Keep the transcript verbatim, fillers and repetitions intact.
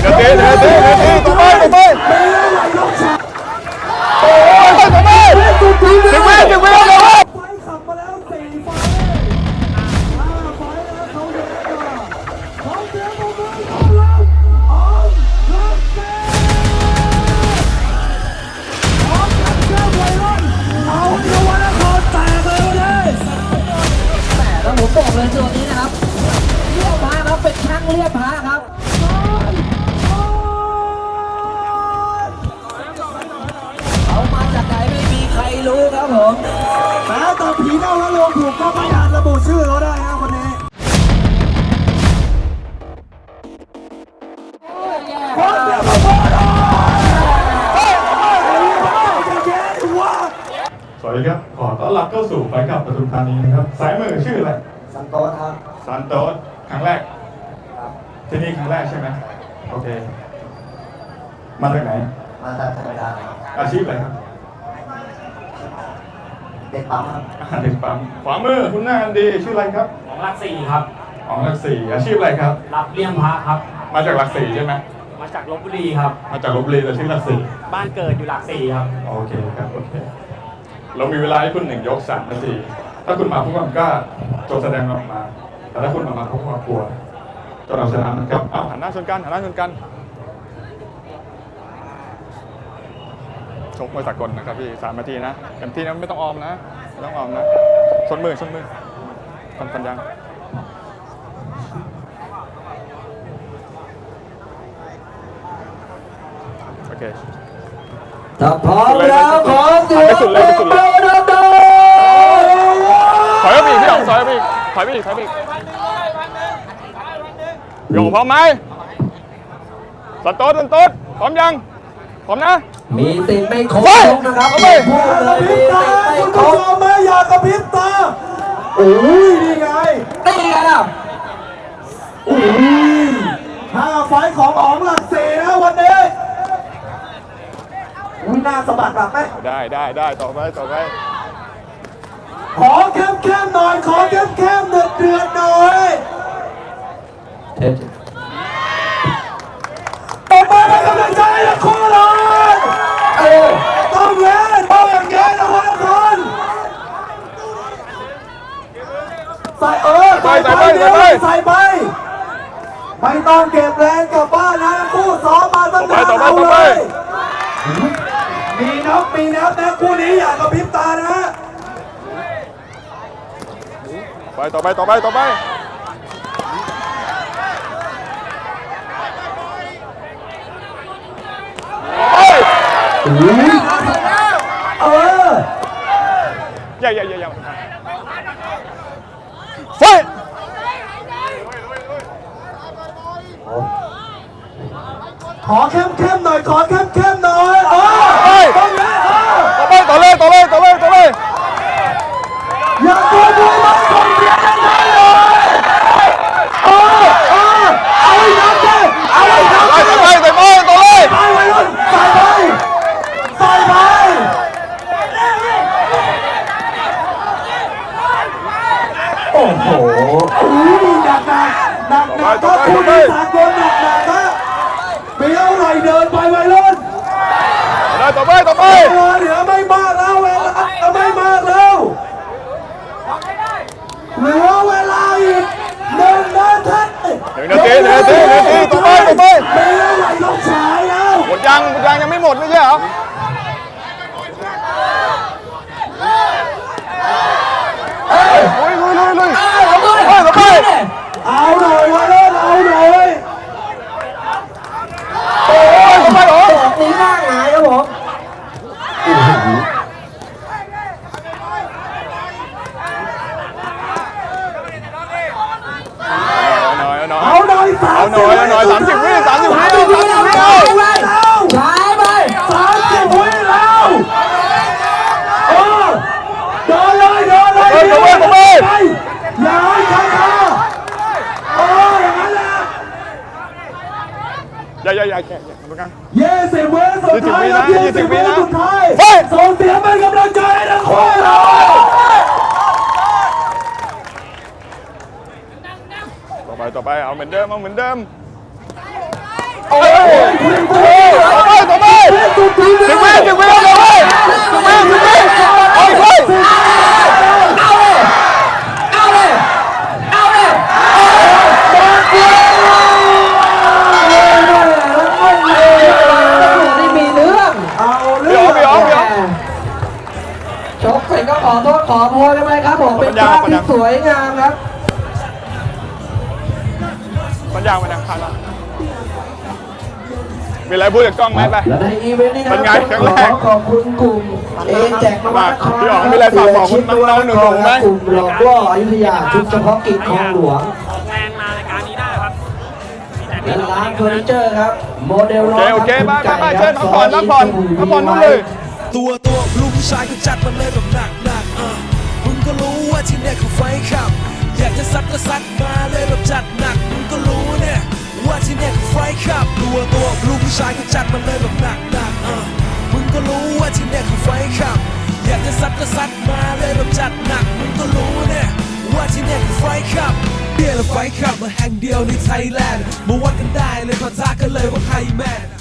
ดี๋ยวตีเดี๋ยวตีเดี๋ยวตีต่อไปต่อไปโอ้ยต่อไปถึงเวลถึงเวลแล้วไฟขับมาแล้วสี่ไฟห้าไฟแล้วเขาเยอะกว่าเขาเสียงมือเขาลงออกรักเซ่ออกจากเจ้าไวรัสเอาเยาวชนครแตกเลยเลยแต่แล้วผมบอกเลยตัวนี้นะครับเรียบพาครับเป็นช่างเรียบพาครับเขามาจากไหนไม่มีใครรู้ครับผมแม้แต่ผีเน่าและโลงถูกก็ไม่อาจระบุชื่อเขาได้นะคนนี้คนเดียวมาพอเลยเฮ้ยเฮ้ยจะแย่ดิวะสวัสดีครับขอต้อนรับเข้าสู่ไฟขับปทุมธานีนะครับสายมือชื่ออะไรสันโตสครับซันโตสครั้งแรกที่นี่ครั้งแรกใช่ไหมโอเคมาจากไหนมาจากธรรมดาอาชีพอะไรครับเด็กปั๊มครับเด็กปั๊มขวามือคุณหน้ากันดีชื่ออะไรครับของหลักสี่ครับของหลักสี่อาชีพอะไรครับรับเลี้ยงพระครับมาจากหลักสี่ใช่ไหมมาจากลพบุรีครับมาจากลพบุรีแต่ชื่อหลักสี่บ้านเกิดอยู่หลักสี่ครับโอเคครับโอเคเรามีเวลาให้คุณหนึ่งยกสามนาทีถ้าคุณมาพวกมันก็จงแสดงออกมาแต่ถ้าคุณมามาพวกมันกลัวจนเอาชนะมันครับเอาหันหน้าชนกันหันหน้าชนกันชกมวยสากลนะครับพี่สามนาทีนะเต็มที่นะไม่ต้องออมนะไม่ต้องออมนะชนมือชนมือฟันฟันยังโอเคถ้าพร้อมแล้วขอเสียงไปสุดเลยไปสุดเลยถอยไปอีกพี่อ๋องถอยไปอีกถอยไปอีกถอยไปอีกโยงพร้อมไหมสต๊อตสต๊อตพร้อมยังพร้อมนะมีติดไม่ครบนะครับพูดเลยมีติดไม่ครบคุณผู้ชมไม่อยากกระพริบตาโอ้ยนี่ไงนี่ไงนะโอ้ยห้าไฟของอ๋องหลักสี่นะวันนี้อุ้ยหน้าสะบัดแบบไหมได้ได้ได้ต่อไปต่อไปขอเข้มเข้มหน่อยขอเข้มเข้มเดือดเดือดหน่อยเท็จต่อไปเป็นกำลังใจให้คู่เลยเออต้องเล่นต้องอย่างเงี้ยนะคนละคนใส่เออใส่ไปเดี๋ยวใส่ไปไม่ต้องเก็บแรงกลับบ้านนะคู่ซ้อมมาตั้งนานเอาเลยมีนับมีนับนะคู่นี้อย่ากระพริบตานะไปต่อไปต่อไปต่อไปเอออย่าอย่าอย่าอย่าไฟขอเข้มเข้มหน่อยขอเข้มเข้มหน่อยเออต้องเลยต่อไปต่อเลยต่อเลยต่อเลยต่อเลยอย่าตัวดูมันส่งเสียงดังๆเลยเออเออเอาไว้นับเลยเอาไว้นับเลยใส่ไปใส่ไปต่อเลยใส่ไปเลยใส่ไปใส่ไปโอ้โหอุ้ยหนักหนักหนักหนักก็คุณที่สากลหนักหนักนะเบี้ยวไหลเดินไปไวรุ่นได้ต่อไปต่อไปเหลือไม่มากแล้วเวลาไม่มากแล้วเหลือเวลาอีกหนึ่งนาทีหนึ่งนาทีหนึ่งนาทีหนึ่งนาทีต่อไปต่อไปเบี้ยวไหลลงฉายแล้วหมดยังหมดยังยังไม่หมดไม่ใช่เหรอลุยลุยลุยลุยเอาหน่อยเอาหน่อยวะเล่นเอาหน่อยโอ้ยทำไมหรอแบบนี้หน้าหงายครับผมเอาหน่อยเอาหน่อยเอาหน่อยสามสิบวิสามสิบวิสามสิบวิแล้วใช้ไปสามสิบวิแล้วเออเดินเลยเดินเลยเดินเลยไปอย่าให้ใครมาเอออย่างนั้นแหละอย่าอย่าอย่าแค่ตรงกลางยี่สิบวิสุดท้ายยี่สิบวิสุดท้ายส่งเสียงเป็นกำลังใจให้ทั้งคู่เลยต่อไปต่อไปเอาเหมือนเดิมเอาเหมือนเดิมโอ้ยคุณคุณต่อไปต่อไปสุดท้ายถึงเวลาถึงเวลาเลยถึงเวลาถึงเวลาโอ้ยโอ้ยเอาเลยเอาเลยเอาเลยนี่มีเรื่องเอาเรื่องชกเสร็จก็ขอโทษขอโพยกันไปครับผมเป็นภาพที่สวยงามครับมันยางมันยางขาดแล้วมีอะไรพูดกับกล้องไหมไปและในอีเวนต์นี้นะเป็นไงครั้งแรกขอขอบคุณกลุ่มเอแจกนวัตครพี่อ๋องมีอะไรฝากบอกคุณน้องๆหนูๆไหมกลุ่มหลอกล่ออยุธยาชุดเฉพาะกิจของหลวงออกแรงมารายการนี้ได้ครับมีแต่และร้านเฟอร์นิเจอร์ครับโมเดลโอล้อเคโอเคไปไปไปเชิญพักผ่อนพักผ่อนพักผ่อนนู่นเลยตัวตัวลูกผู้ชายก็จัดมาเลยแบบหนักหนักๆอ่ะมึงก็รู้ว่าที่เนี่ยคือไฟขับ อยากจะซัดก็ซัดมาเลยแบบจัดหนักมึงก็รู้เนี่ยว่าที่เนี่ยคือไฟขับ ตัวตัวลูกผู้ชายก็จัดมาเลยแบบหนักหนักๆอ่ะมึงก็รู้ว่าที่เนี่ยคือไฟขับ อยากจะซัดก็ซัดมาเลยแบบจัดหนักมึงก็รู้เนี่ยว่าที่เนี่ยคือไฟขับเดียร์และไฟขับมาแห่งเดียวในไทยแลนด์มาวัดกันได้เลยขอท้ากันเลยว่าใครแมน